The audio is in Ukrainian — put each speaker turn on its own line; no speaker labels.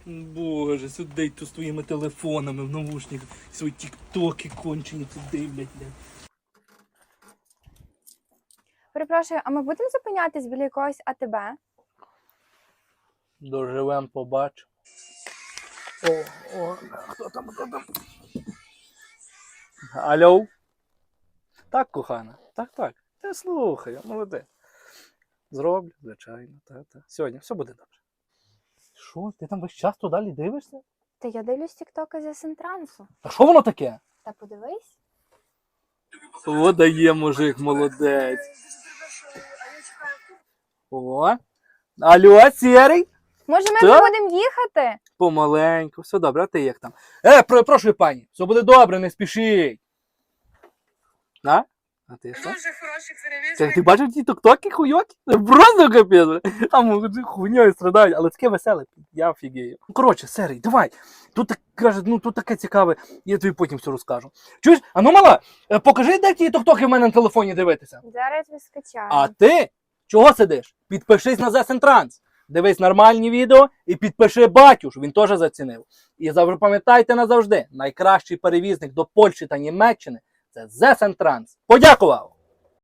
Боже, сюди тут з твоїми телефонами в навушниках. Свої тіктоки кончені тут дивлять, блядь.
Перепрошую, а ми будемо зупинятись біля якогось АТБ?
Доживем, побачимо. Хто там? Алло? Так, кохана, так. Я слухаю, молодець. Зроблю, звичайно, та. Сьогодні все буде добре. Що, ти там весь час туди далі дивишся?
Та я дивлюсь тіктоки з Сентрансу.
А що воно таке?
Та подивись.
О, дає мужик, молодець. О, алло, Сірий?
Може, ми
Та?
вже будемо їхати?
Помаленьку, все добре, а ти як там? Прошу, пані, все буде добре, не спішіть. А ти що?
Дуже хороший перевізник.
Ти бачив ті ток-токи хуйоки? Просто капець. Там хуйньою страдають, але таке веселе, я офігею. Коротше, Серій, давай. Тут каже, тут таке цікаве, я тобі потім все розкажу. Чуєш? А ну мала, покажи, де ті ток-токи в мене на телефоні дивитися.
Зараз я скачаю.
А ти чого сидиш? Підпишись на The Sentrans. Дивись нормальні відео і підпиши батю, що він теж зацінив. І запам'ятайте назавжди, найкращий перевізник до Польщі та Німеччини – це The Sentrans. Подякував!